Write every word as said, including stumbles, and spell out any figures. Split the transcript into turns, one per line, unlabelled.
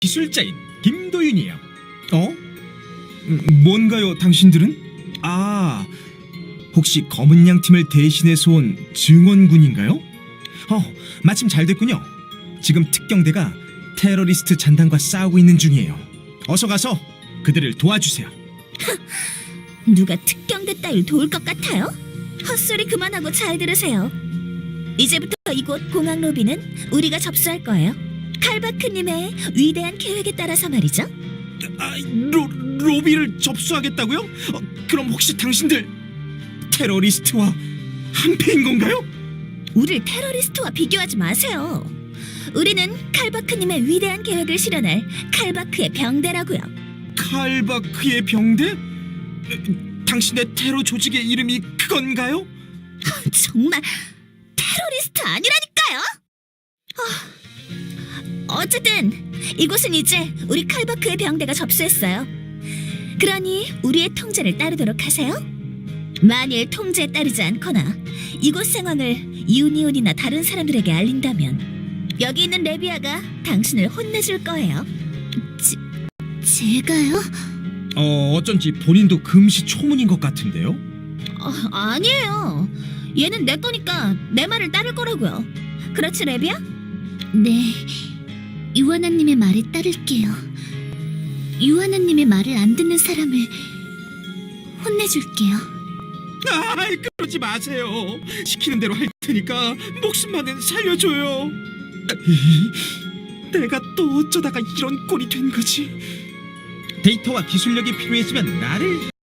기술자인 김도윤이에요. 어? 음, 뭔가요, 당신들은? 아, 혹시 검은 양 팀을 대신해서 온 증원군인가요? 어, 마침 잘 됐군요. 지금 특경대가 테러리스트 잔당과 싸우고 있는 중이에요. 어서 가서 그들을 도와주세요.
누가 특경대 따위를 도울 것 같아요? 헛소리 그만하고 잘 들으세요. 이제부터 이곳 공항 로비는 우리가 접수할 거예요. 칼바크님의 위대한 계획에 따라서 말이죠.
아, 로, 로비를 접수하겠다고요? 어, 그럼 혹시 당신들 테러리스트와 한패인 건가요?
우릴 테러리스트와 비교하지 마세요. 우리는 칼바크님의 위대한 계획을 실현할 칼바크의 병대라고요.
칼바크의 병대? 에, 당신의 테러 조직의 이름이 그건가요?
정말 테러리스트 아니라니까요. 어, 어쨌든 이곳은 이제 우리 칼바크의 병대가 접수했어요. 그러니 우리의 통제를 따르도록 하세요. 만일 통제에 따르지 않거나 이곳 상황을 유니온이나 다른 사람들에게 알린다면 여기 있는 레비아가 당신을 혼내줄 거예요. 제, 제가요?
어, 어쩐지 본인도 금시초문인 것 같은데요?
어, 아니에요. 얘는 내 거니까 내 말을 따를 거라고요. 그렇지, 레비아? 네, 유하나님의 말에 따를게요. 유하나님의 말을 안 듣는 사람을 혼내줄게요.
아이, 그러지 마세요. 시키는 대로 할 테니까 목숨만은 살려줘요. 내가 또 어쩌다가 이런 꼴이 된 거지? 데이터와 기술력이 필요해지면 나를